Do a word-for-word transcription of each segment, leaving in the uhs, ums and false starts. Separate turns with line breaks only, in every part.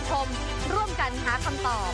ชมร่วมกันหาคำตอบ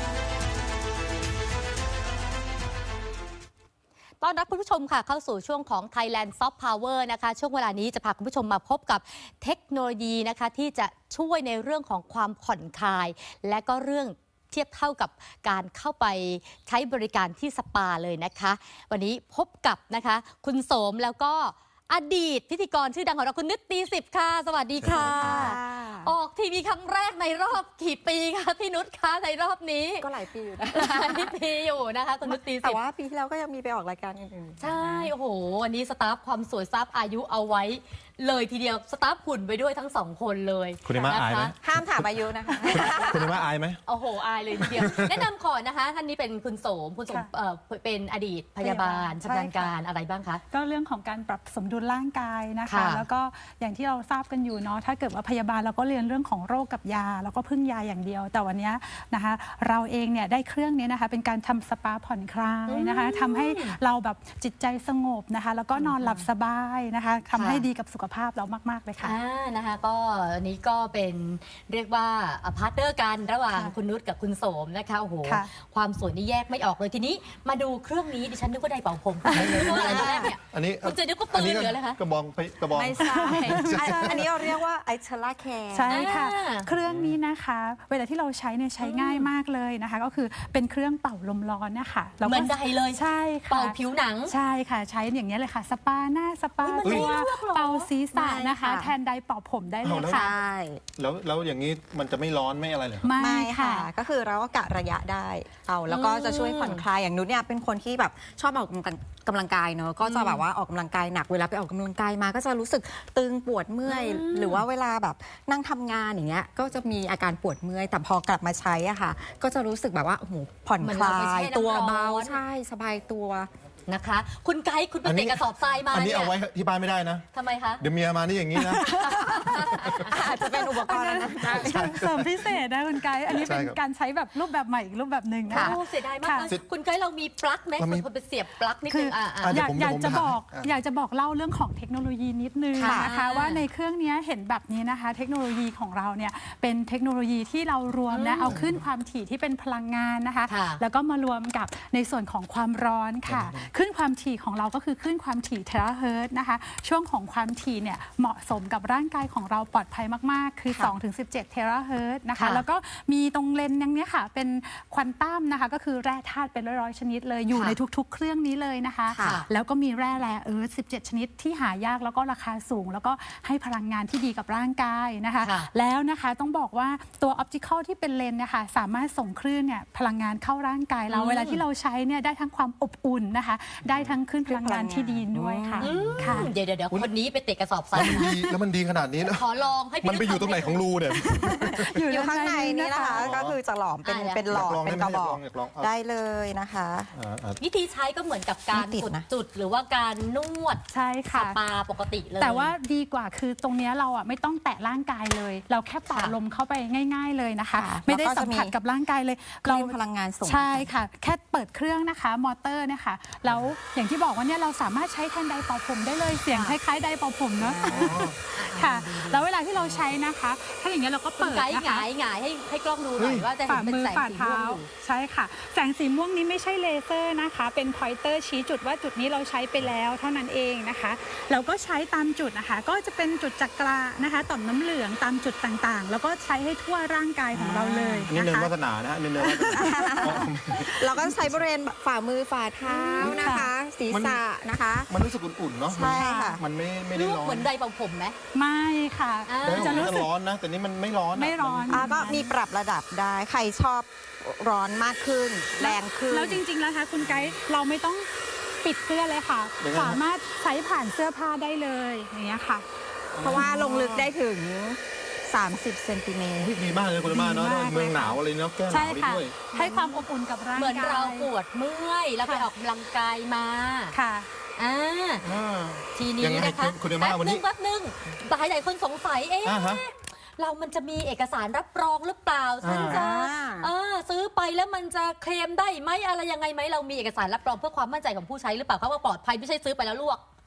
ต้อนรับคุณผู้ชมค่ะเข้าสู่ช่วงของ Thailand Soft Power นะคะช่วงเวลานี้จะพาคุณผู้ชมมาพบกับเทคโนโลยีนะคะที่จะช่วยในเรื่องของความผ่อนคลายและก็เรื่องเทียบเท่ากับการเข้าไปใช้บริการที่สปาเลยนะคะวันนี้พบกับนะคะคุณโสมแล้วก็อดีตพิธีกรชื่อดังของเราคุณนึกตีสิบค่ะสวัสดีค่ะออกทีวีครั้งแรกในรอบกี่ปีคะพี่นุชคะในรอบนี้
ก็หลายปีอยู่นะ
หลายปีอยู่นะคะคุณนึกตีสิบ
แต่ว่าปีที่แล้วก็ยังมีไปออกรายการอื่น
ๆใช่โอ้โหวันนี้สตาฟความสวยทราบอายุเอาไว้เลยทีเดียวสตาฟหุ่นไปด้วยทั้งสองคนเลย
คุณเอม่าอายไหม
ห้ามถามอายุนะคะ
คุณเอม่าอายไหม
โอ้โหอายเลยทีเดียวแนะนำก่อนนะคะท่านนี้เป็นคุณโสมคุณโสมเป็นอดีตพยาบาลชำนาญการอะไรบ้างคะ
ก็เรื่องของการปรับสมดุลร่างกายนะคะแล้วก็อย่างที่เราทราบกันอยู่เนาะถ้าเกิดว่าพยาบาลเราก็เรียนเรื่องของโรคกับยาแล้วก็พึ่งยาอย่างเดียวแต่วันนี้นะคะเราเองเนี่ยได้เครื่องนี้นะคะเป็นการทำสปาผ่อนคลายนะคะทำให้เราแบบจิตใจสงบนะคะแล้วก็นอนหลับสบายนะคะทำให้ดีกับสุขภาพเรามากๆเลยค่ะ
นะคะก็อันนี้ก็เป็นเรียกว่าพาร์ทเนอร์กันระหว่างคุณนุชกับคุณโสมนะคะโอ้โหความสวยนี่แยกไม่ออกเลยทีนี้มาดูเครื่องนี้ดิฉันนึกว่าไดเป่าผมนึกว่าอะไรแรกเนี่ย
อันนี้
คุณจะนึกว่าปืนหรืออะไรคะ
กระบองกระบอง
ไม่ใช่อันนี้เราเรียกว่าไอเชล่าแคร์
ใช่ค่ะเครื่องนี้นะคะเวลาที่เราใช้เนี่ยใช้ง่ายมากเลยนะคะก็คือเป็นเครื่องเป่าลมร้อนนะคะ
เหมือนไดเลย
ใช่ค่ะ
เป่าผิวหนัง
ใช่ค่ะใช้อย่างนี้เลยค่ะสปาหน้าสปาตัวเป่าศีรษะนะคะแทนไดเป่าผมได้เลยค่ะ
แล้วแล้วอย่างนี้มันจะไม่ร้อนไม่อะไรเลย
ไม่ค่ะก็คือเราก็กะระยะได้เอาแล้วก็จะช่วยผ่อนคลายอย่างนุชเนี่ยเป็นคนที่แบบชอบออกกำลังกายเนอะก็จะแบบว่าออกกำลังกายหนักเวลาไปออกกำลังกายมาก็จะรู้สึกตึงปวดเมื่อยหรือว่าเวลาแบบนั่งทำงานอย่างเงี้ยก็จะมีอาการปวดเมื่อยแต่พอกลับมาใช้อ่ะค่ะก็จะรู้สึกแบบว่าโอ้โหผ่อนคลายตัวเบาใช่สบายตัว
นะคะคุณไกด์คุณไปเตะกระสอบทรายมา
อันนี้เอาไว้ที่บ้านไม่ได้นะ
ทำไมคะ
เดี๋ยวเมียมานี่อย่างนี้นะ
อาจจะเป็นอุปกรณ์
เสริมพิเศษนะคุณไกด์อันนี้เป็นการใช้แบบรูปแบบใหม่อีกรูปแบบหนึ่งนะ
เสียดายมากคุณไกด์เรามีปลั๊กไหมคุณไปเสียบปลั๊กนิดนึง
อยากอยากจะบอกอยากจะบอกเล่าเรื่องของเทคโนโลยีนิดนึงนะคะว่าในเครื่องนี้เห็นแบบนี้นะคะเทคโนโลยีของเราเนี่ยเป็นเทคโนโลยีที่เรารวมนะเอาขึ้นความถี่ที่เป็นพลังงานนะคะแล้วก็มารวมกับในส่วนของความร้อนค่ะขึ้นความถี่ของเราก็คือขึ้นความถี่เทราเฮิร์ตนะคะช่วงของความถี่เนี่ยเหมาะสมกับร่างกายของเราปลอดภัยมากๆคือ สองถึงสิบเจ็ด เทราเฮิร์ตนะคะแล้วก็มีตรงเลนส์อย่างนี้ค่ะเป็นควอนตัมนะคะก็คือแร่ธาตุเป็นร้อยๆชนิดเลยอยู่ในทุกๆเครื่องนี้เลยนะคะแล้วก็มีแร่แร่เอิร์ธสิบเจ็ดชนิดที่หายากแล้วก็ราคาสูงแล้วก็ให้พลังงานที่ดีกับร่างกายนะคะแล้วนะคะต้องบอกว่าตัวออปติคอลที่เป็นเลนส์นะคะสามารถส่งคลื่นเนี่ยพลังงานเข้าร่างกายเราเวลาที่เราใช้เนี่ยได้ทั้งความอบอุ่นนะคะได้ทั้งขึ้นพลังงานที่ดีด้วยค่ะ
เดี๋ยวเดี๋ยวคนนี้ไปเตะกระสอบทราย
แล้วมันดีขนาดนี้นะ
ขอลองให้
มันไปอยู่ตรงไหนของรูเนี่ย
อยู่ข้างในนี่นะคะก็คือจะหลอมเป็นเป็นหลอดเป็นกระบอกได้เลยนะคะ
วิธีใช้ก็เหมือนกับการกดจุดหรือว่าการนวด
ใช่ค่ะ
สปาปกติเลย
แต่ว่าดีกว่าคือตรงนี้เราอ่ะไม่ต้องแตะร่างกายเลยเราแค่เป่าลมเข้าไปง่ายๆเลยนะคะไม่ได้สัมผัสกับร่างกายเลย
เราพลังงานส่ง
ใช่ค่ะแค่เปิดเครื่องนะคะมอเตอร์นะคะแล้วอย่างที่บอกว่าเนี่ยเราสามารถใช้แทนไดเป่าผมได้เลยเสียงคล้ายๆไดเป่าผมเนาะค่ะแล้วเวลาที่เราใช้นะคะถ้าอย่างเงี้ยเราก็เปิด
นะคะหงายหงายให้ให้กล้องดูหน่อยว่าจะเห็นเป็นแสงสีม่วง
ใช่ค่ะแสงสีม่วงนี้ไม่ใช่เลเซอร์นะคะเป็นพอยเตอร์ชี้จุดว่าจุดนี้เราใช้ไปแล้วเท่านั้นเองนะคะเราก็ใช้ตามจุดนะคะก็จะเป็นจุดจักรานะคะต่อมน้ำเหลืองตามจุดต่างๆแล้วก็ใช้ให้ทั่วร่างกายของเราเลย
นี่เนินวาสนานะฮะนี่เนินวาสนา
เราก็ใช้บริเวณฝ่ามือฝ่าเท้านะคะศีรษะนะคะ
มันรู้สึกอุ่นๆเนาะ
ใช่ค่ะ
มันไม่ไม่ได้ร้อน
เหมือนไดเป่าผมไหม
ไม่ค่ะ
จะรู้สึกร้อนนะแต่นี่มันไม่ร้อน
ไม่ร้อน
ก็มีปรับระดับได้ใครชอบร้อนมากขึ้นแรงขึ้น
แล้วจริงๆแล้วคะคุณไกด์เราไม่ต้องปิดเสื้อเลยค่ะสามารถใช้ผ่านเสื้อผ้าได้เลยอย่างเงี้ยค่ะ
เพราะว่าลงลึกได้ถึงสามสิบเซนติเมตร
ดีมากเลยคุณม่าเนาะเมืองหนาวอะไรเนาะแก้หนาวด้วย
ให้ความอบอุ่นกับร่างกาย
เหมือนเราปวดเมื่อยแล้วไปออกกำลังกายมา
ค่ะ
อ่าทีนี้นะคะ
คุณม่าวันนี้
แป๊บนึงหลายหลายคนสงสัยเอ๊ะเรามันจะมีเอกสารรับรองหรือเปล่าฉันจะซื้อไปแล้วมันจะเคลมได้ไหมอะไรยังไงไหมเรามีเอกสารรับรองเพื่อความมั่นใจของผู้ใช้หรือเปล่าเขาว่าปลอดภัยไม่ใช่ซื้อไปแล้วลวก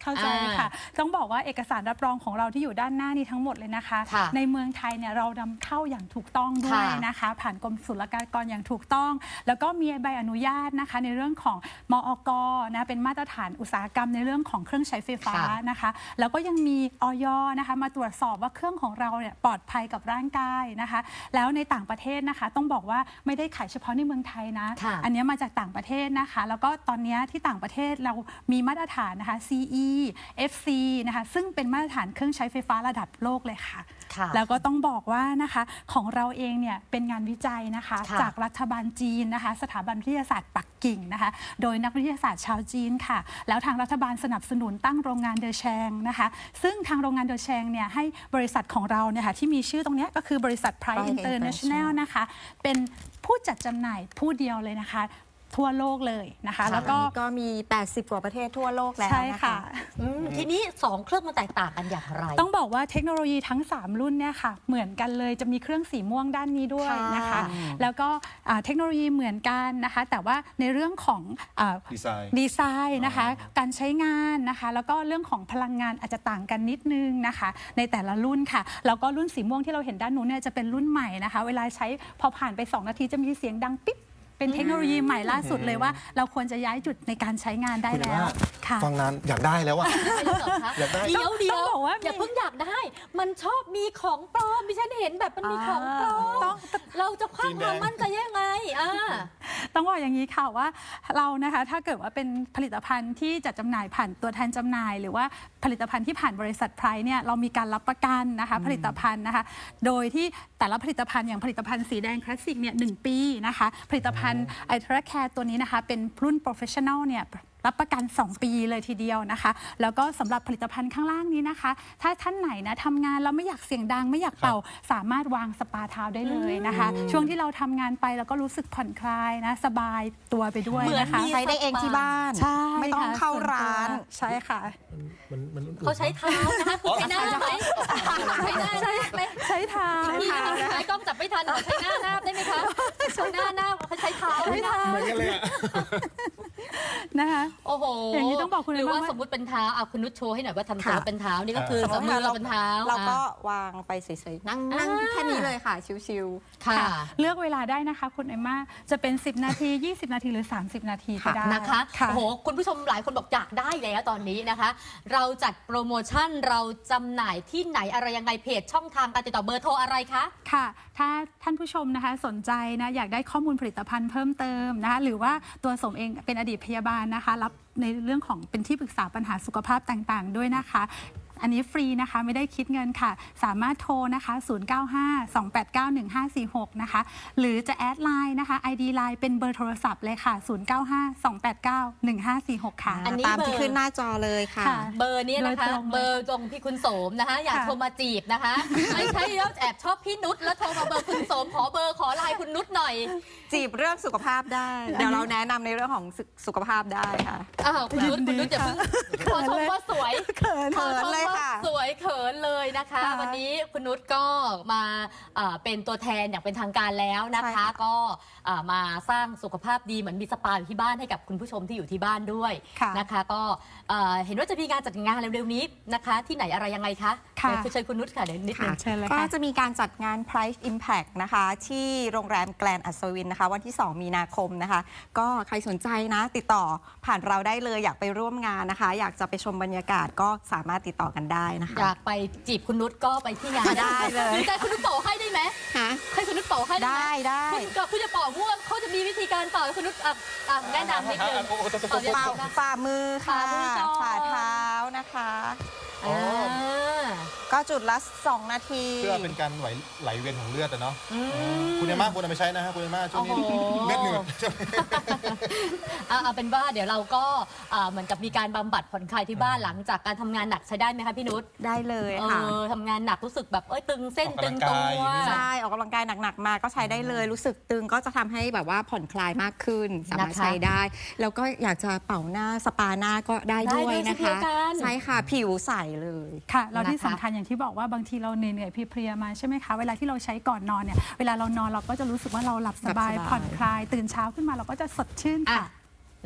เข้าใจค่ะ ต้องบอกว่าเอกสารรับรองของเราที่อยู่ด้านหน้านี้ทั้งหมดเลยนะคะ
ค่ะ
ในเมืองไทยเนี่ยเรานำเข้าอย่างถูกต้องด้วยนะคะ ผ่านกรมศุลกากรอย่างถูกต้อง แล้วก็มีใบอนุญาตนะคะในเรื่องของมอก.นะเป็นมาตรฐานอุตสาหกรรมในเรื่องของเครื่องใช้ไฟฟ้านะคะ แล้วก็ยังมีอย.นะคะมาตรวจสอบว่าเครื่องของเราเนี่ยปลอดภัยกับร่างกายนะคะ แล้วในต่างประเทศนะคะต้องบอกว่าไม่ได้ขายเฉพาะในเมืองไทยนะ อันนี้มาจากต่างประเทศนะคะ แล้วก็ตอนนี้ที่ต่างประเทศเรามีมาตรฐานนะคะ ซี อี เอฟ ซี นะคะซึ่งเป็นมาตรฐานเครื่องใช้ไฟฟ้าระดับโลกเลยค่ะ แล้วก็ต้องบอกว่านะคะของเราเองเนี่ยเป็นงานวิจัยนะคะจากรัฐบาลจีนนะคะสถาบันวิทยาศาสตร์ปักกิ่งนะคะโดยนักวิทยาศาสตร์ชาวจีนค่ะแล้วทางรัฐบาลสนับสนุนตั้งโรงงานเดอแชงนะคะซึ่งทางโรงงานเดอแชงเนี่ยให้บริษัทของเราเนี่ยค่ะที่มีชื่อตรงนี้ก็คือบริษัท Pride International นะคะเป็นผู้จัดจำหน่ายผู้เดียวเลยนะคะทั่วโลกเลยนะคะแล้วก็
ก็มีแปดสิบกว่าประเทศทั่วโลกแล้ว
ใช่
นะ
ค่ะ
คะ
ทีนี้สองเครื่องมันแตกต่างกันอย่างไร
ต้องบอกว่าเทคโนโลยีทั้งสามรุ่นเนี่ยค่ะเหมือนกันเลยจะมีเครื่องสีม่วงด้านนี้ด้วยนะคะ แล้วก็เทคโนโลยีเหมือนกันนะคะแต่ว่าในเรื่องของดีไซน์ดีไซน์นะคะการใช้งานนะคะแล้วก็เรื่องของพลังงานอาจจะต่างกันนิดนึงนะคะในแต่ละรุ่นค่ะแล้วก็รุ่นสีม่วงที่เราเห็นด้านนู้นเนี่ยจะเป็นรุ่นใหม่นะคะเวลาใช้พอผ่านไปสองนาทีจะมีเสียงดังปิ๊บเป็นเทคโนโลยีใหม่ล่าสุดเลยว่าเราควรจะย้ายจุดในการใช้งานได้แล้วค่ะ
ฟังนานอยากได้แล้วอะ อยากได้
เดี๋ยวเดี๋ยว
ต้องบอกว่า
อย่าเพิ่งอยากได้ มันชอบมีของปลอมดิฉันเห็นแบบมันมีของปลอม
ต้อง
เราจะคว้างความมั่นใจยังไงอ่า
ต้องบอกอย่างนี้ค่ะว่าเรานะคะถ้าเกิดว่าเป็นผลิตภัณฑ์ที่จัดจำหน่ายผ่านตัวแทนจำหน่าย หรือว่าผลิตภัณฑ์ที่ผ่านบริษัทไพรเนี่ยเรามีการรับประกันนะคะผลิตภัณฑ์นะคะโดยที่แต่ละผลิตภัณฑ์อย่างผลิตภัณฑ์สีแดงคลาสสิกเนี่ยหนึ่งปีนะคะผลิตภัณฑ์ไอทราแคร์ตัวนี้นะคะเป็นรุ่นโปรเฟชชั่นอลเนี่ยรับประกันสองปีเลยทีเดียวนะคะแล้วก็สำหรับผลิตภัณฑ์ข้างล่างนี้นะคะถ้าท่านไหนนะทำงานแล้วไม่อยากเสียงดังไม่อยากเป่าสามารถวางสปาเท้าได้เลยนะคะช่วงที่เราทำงานไปแล้วก็รู้สึกผ่อนคลายนะสบายตัวไปด้วยนะคะ
ใช้ได้เองที่บ้าน
ใช่
ไม่ต้องเข้าร้าน
ใช่ค่ะ
มันมัน
เขาใช้เท้านะคะคุณใช้หน้าไหมใช้หน้าไหม
ใช้เท้า
พี่นะคะใช้กล้องจับไม่ทันใช้หน้าหน้าได้ไหมคะใช้หน้าหน้าใช้เท้า
ใช้เท้า
เหมือนกันเลยอะ
นะคะ
โอ้โห
อย่างนี้ต้องบอกคุณ
หรือว่า
ว่า
สมมติเป็นเท้าเอาคุณนุชโชว์ให้หน่อยว่าทำตัว
ค่ะ
เป็นเท้านี่ก็คือ
สม
ส
ม
ม
ติ
มติ
เรา
เราเป็นเท้า
เราก็
อ่ะ
วางไปเฉยๆนั่งนั่ง
อ่า
แค่นี้เลยค่ะ ชิว
ค่ะ
เลือกเวลาได้นะคะคุณเอมมาจะเป็นสิบนาทียี่สิบนาทีหรือสามสิบนาทีก็ได้
นะคะ
ค่ะ
โอ้โหคุณผู้ชมหลายคนบอกอยากได้แล้วตอนนี้นะคะ เราจัดโปรโมชั่นเราจำหน่ายที่ไหนอะไรยังไงเพจช่องทางการติดต่อเบอร์โทรอะไรคะ
ค่ะถ้าท่านผู้ชมนะคะสนใจนะอยากได้ข้อมูลผลิตภัณฑ์เพิ่มเติมนะคะหรือว่าตัวสมเองเป็นอดีตพยาบาลนะคะรับในเรื่องของเป็นที่ปรึกษาปัญหาสุขภาพต่างๆด้วยนะคะอันนี้ฟรีนะคะไม่ได้คิดเงินค่ะสามารถโทรนะคะศูนย์ เก้า ห้า สอง แปด เก้า หนึ่ง ห้า สี่ หกนะคะหรือจะแอดไลน์นะคะ ไอ ดี ไลน์เป็นเบอร์โทรศัพท์เลยค่ะศูนย์ เก้า ห้า สอง แปด เก้า หนึ่ง ห้า สี่ หกค่ะ
อันนี้
ตาม
เบอร์
ที่ขึ้นหน้าจอเลยค่ะ
ค่ะ
เบอร์นี้นะคะ
โดยตรงเลย
เบอร์ตรงพี่คุณโสมนะคะ อยาก
ค่ะ
โทรมาจีบนะคะ ไม่ใช่แล้วแอบชอบพี่นุชแล้วโทรมาเบอร์คุณโสมขอเบอร์ขอไลน์คุณนุชหน่อย
จีบเรื่องสุขภาพได้ เดี๋ยวเราแนะนำในเรื่องของสุสุขภาพได้ค่ะ
อ้าวคุณนุชคุณนุชอย่าเพิ่งขอชมว่าสวย
เขิน
ขอชม
เลย
ว่า
ค่ะ
สวยเขินเลยนะคะ
ค่ะ
วันนี้คุณนุชก็มาอ่าเป็นตัวแทนอย่างเป็นทางการแล้วนะ
ใช่
คะ
ค่ะ
ก็อ่ามาสร้างสุขภาพดีเหมือนมีสปาอยู่ที่บ้านให้กับคุณผู้ชมที่อยู่ที่บ้านด้วย
ค่ะ
นะคะ ก็เอ่อเห็นว่าจะมีงานจัดงานเร็วๆนี้นะคะ ที่ไหนอะไรยังไงคะ
ค่ะ
เดี๋ยวเชิญคุณนุชค่ะเดี๋ยวนิดนึ
ค่ะ
ง
เชิญเลย
ก็
ค่ะ
จะมีการจัดงาน Price Impact นะคะ ที่โรงแรมแกลนอัศวินนะคะ วันที่ สอง มีนาคมนะคะ ก็ใครสนใจนะ ติดต่อผ่านเราได้เลยอยากไปร่วมงานนะคะ อยากจะไปชมบรรยากาศก็สามารถติดต่อกันได้นะคะ
อยากไปจีบคุณนุชก็ไปที่งาน
ได้เลย
หรือใจคุณนุชเป่าให้ได้ไหม
ฮะ
ให้คุณนุชเป่าให้ได้ไหม
ได้ได้
คุณก็คุณจะเป่าม่วงเขาจะมีวิธีการเป่าให้คุณนุชอ่ะอ่ะแนะนำนิดนึงเป่ายัง
ฝ่า
ไงนะ
ฝ่ามือค่ะ
ฝ่ามือก่อน
ฝ่าเท้านะคะ
อ๋อ
อ่า
ก็จุดละ สอง นาที
เพื่อเป็นการไหลไหลเวียนของเลือดอะเนาะ
อืม
คุณเอม่าควรเอาไปใช้นะฮะคุณเอม่าช่วงนี้
โอ้โห
เลือดเหนือด
เอาเอาเป็นว่าเดี๋ยวเราก็อ่าเหมือนกับมีการบำบัดผ่อนคลายที่บ้านหลังจากการทำงานหนักใช้ได้ไหมคะพี่นุช
ได้เลย
เอ
ค่ะ
อทำงานหนักรู้สึกแบบเอ้ยตึงเส้น
ออก
ตึ
กำลั
ง
ง
ตั
กายว อย่างนี้
ใช่ออกกำลังกายหนักๆมาก็ใช้ได้เลย รู้สึกตึงก็จะทำให้แบบว่าผ่อนคลายมากขึ้น สามารถ
นะคะ
ใช้ได้ แล้วก็อยากจะเป่าหน้าสปาหน้าก็ได้ด้วย
ได้ด้วย
นะ
เช่นเดี
คะ
ยวกัน
ใช่ค่ะผิวใสเลย
ค่ะเราที่
นะคะ
สำคัญอย่างที่บอกว่าบางทีเราเหนื่อยๆเพลียๆมาใช่ไหมคะเวลาที่เราใช้ก่อนนอนเนี่ยเวลาเรานอนเราก็จะรู้สึกว่าเราหลับสบาย
หลับสบาย
ผ่อนคลายตื่นเช้าขึ้นมาเราก็จะสดชื่น
อ่ะ
ค่ะ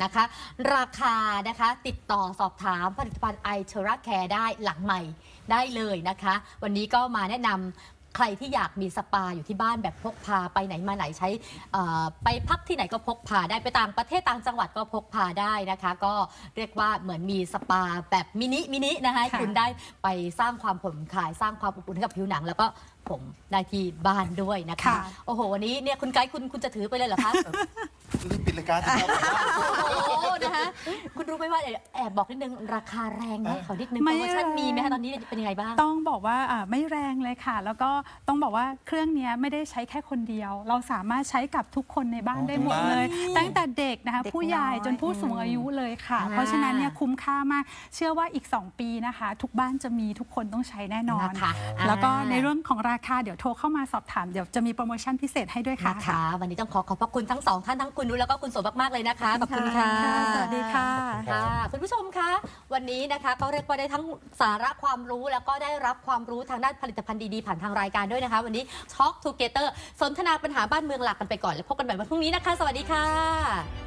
นะคะ ราคานะคะติดต่อสอบถามผลิตภัณฑ์ไอเทอร่าแคร์ได้หลังใหม่ได้เลยนะคะ วันนี้ก็มาแนะนำใครที่อยากมีสปาอยู่ที่บ้านแบบพกพาไปไหนมาไหนใช้ไปพักที่ไหนก็พกพาได้ไปต่างประเทศต่างจังหวัดก็พกพาได้นะคะ ก็เรียกว่าเหมือนมีสปาแบบมินิมินินะคะคุณได้ไปสร้างความผ่อนคลายสร้างความอบอุ่นให้กับผิวหนังแล้วก็ผมได้ที่บ้านด้วยนะคะ โอ้โหวันนี้เนี่ยคุณไกด์คุณคุณจะถือไปเลยเหรอคะ
รีบปิดรายการนะครับ
โอ้โหนะคะคุณรู้ไหมว่าแอบบอกนิดนึงราคาแรงไหมขอนิดนึงโปรโมชั่นมีไหมคะตอนนี้เป็นยังไงบ้าง
ต้องบอกว่าไม่แรงเลยค่ะแล้วก็ต้องบอกว่าเครื่องนี้ไม่ได้ใช้แค่คนเดียวเราสามารถใช้กับทุกคนในบ้านได้หมดเลยตั้งแต่เด็กนะคะผู้ใหญ่จนผู้สูงอายุเลยค่ะเพราะฉะนั้นเนี่ยคุ้มค่ามากเชื่อว่าอีกสองปีนะคะทุกบ้านจะมีทุกคนต้องใช้แน่นอนแล้วก็ในเรื่องของราคาเดี๋ยวโทรเข้ามาสอบถามเดี๋ยวจะมีโปรโมชั่นพิเศษให้ด้วยค่ะ
วันนี้ต้องขอขอบพระคุณทั้งสองท่านทั้งคุณนุ้ยแล้วก็คุณโสมากๆเลยนะคะขอบคุณค่ะ
สวัสดีค่ะ
คุณผู้ชมคะวันนี้นะคะก็เรียกว่าได้ทั้งสาระความรู้แล้วก็ได้รับความรู้ทางด้านผลิตภัณฑ์ดีๆผ่านทางรายการด้วยนะคะวันนี้ Talk Together สนทนาปัญหาบ้านเมืองหลักกันไปก่อนแล้วพบกันใหม่วันพรุ่งนี้นะคะสวัสดีค่ะ